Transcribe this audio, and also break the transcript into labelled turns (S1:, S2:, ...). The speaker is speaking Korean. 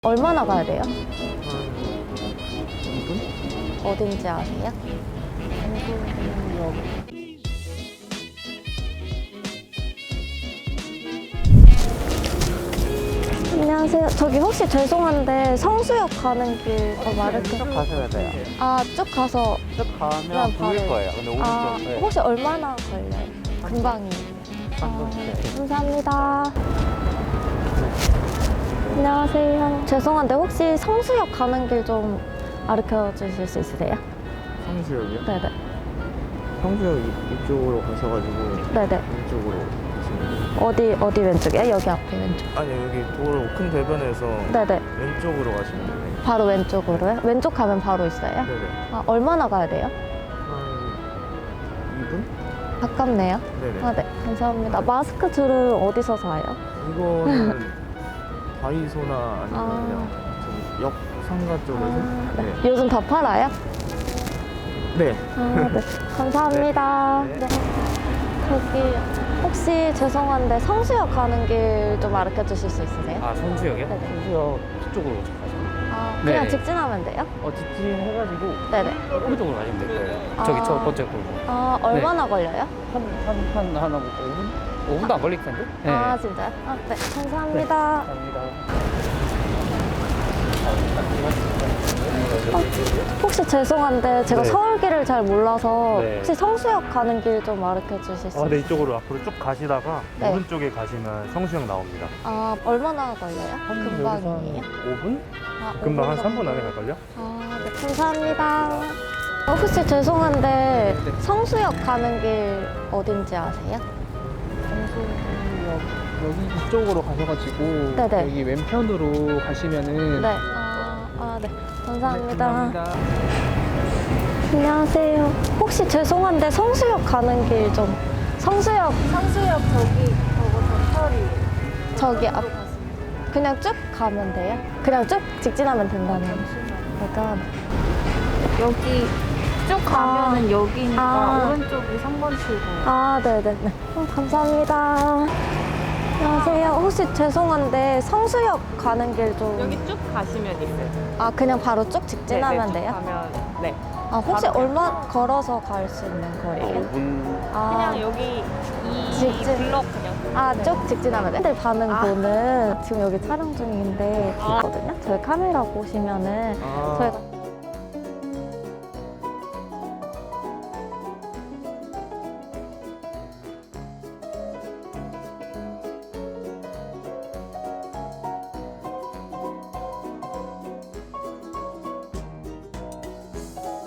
S1: 얼마나 가야 돼요?
S2: 2분?
S1: 어딘지 아세요?
S2: 한국역.
S1: 안녕하세요. 저기 혹시 죄송한데 성수역 가는 길 더 마르크.
S2: 쭉 가셔야 돼요.
S1: 아, 쭉 가서.
S2: 쭉 가면 보일
S1: 바로.
S2: 거예요. 근데 오른쪽.
S1: 아,
S2: 네.
S1: 혹시 얼마나 걸려요? 금방이에요. 네, 감사합니다. 안녕하세요. 죄송한데 혹시 성수역 가는 길 좀 가르쳐 주실 수 있으세요?
S2: 성수역이요?
S1: 네네.
S2: 성수역 이쪽으로 가셔가지고
S1: 네네.
S2: 왼쪽으로 가시면 돼요.
S1: 어디 왼쪽이에요? 여기 앞에 왼쪽.
S2: 아니 여기 도로 큰 대변에서
S1: 네네.
S2: 왼쪽으로 가시면 돼요.
S1: 바로 왼쪽으로요? 왼쪽 가면 바로 있어요?
S2: 네네.
S1: 아, 얼마나 가야 돼요?
S2: 한 2분?
S1: 가깝네요.
S2: 네네.
S1: 아, 네. 감사합니다. 마스크 줄은 어디서 사요?
S2: 이거는 다이소나 아니면
S1: 아.
S2: 그냥 저기 역 상가 쪽에서.
S1: 아, 네.
S2: 네.
S1: 요즘 다 팔아요?
S2: 네.
S1: 아, 네. 감사합니다.
S2: 네.
S1: 네. 저기 혹시 죄송한데 성수역 가는 길 좀 가르쳐 주실 수 있으세요?
S3: 아, 성수역이요?
S1: 네네.
S3: 성수역 서쪽으로 가시면 돼요.
S1: 아, 그냥
S3: 네.
S1: 직진하면 돼요?
S3: 직진해가지고
S1: 네네.
S3: 오른쪽으로 가시면 될 거예요.
S1: 아.
S3: 저기 첫 번째 골목.
S1: 아, 얼마나 걸려요?
S3: 하나 5분? 5분도 안 걸릴 텐데? 네.
S1: 아, 진짜요? 아, 네. 감사합니다.
S3: 감사합니다.
S1: 혹시 죄송한데 제가
S4: 네.
S1: 서울길을 잘 몰라서
S4: 네.
S1: 혹시 성수역 가는 길 좀 가르쳐 주실 수 있어요?
S4: 네, 이쪽으로 앞으로 쭉 가시다가
S1: 네.
S4: 오른쪽에 가시면 성수역 나옵니다.
S1: 아, 얼마나 걸려요? 금방이에요?
S4: 5분?
S1: 아,
S4: 금방 한
S1: 5분
S4: 3분 안에
S1: 정도?
S4: 갈걸요?
S1: 아, 네, 감사합니다. 혹시 죄송한데 성수역 가는 길 어딘지 아세요?
S5: 성수역 여기 이쪽으로 가셔가지고
S1: 네네.
S5: 여기 왼편으로 가시면은
S1: 네. 네. 감사합니다.
S5: 감사합니다.
S1: 안녕하세요. 혹시 죄송한데 성수역 가는 길 좀 성수역 저기 저기 앞 그냥 쭉 가면 돼요? 그냥 쭉 직진하면 된다는 거죠?
S6: 여기 쭉 가면은 여기니까
S1: 아.
S6: 오른쪽이 3번 출구.
S1: 아, 네네네. 감사합니다. 안녕하세요. 혹시 죄송한데 성수역 가는 길 좀.
S6: 여기 쭉 가시면 있어요.
S1: 아, 그냥 바로 쭉 직진하면
S6: 쭉
S1: 돼요?
S6: 가면 네.
S1: 아, 혹시
S6: 바로
S1: 얼마 걸어서 갈 수 있는 거리예요?
S2: 5분.
S1: 아,
S6: 그냥 여기 이
S1: 직진.
S6: 블럭 그냥.
S1: 쭉 직진하면 돼. 들 반응도는 지금 여기 촬영 중인데
S6: 아.
S1: 있거든요. 저희 카메라 보시면은
S2: 아.
S1: 저희가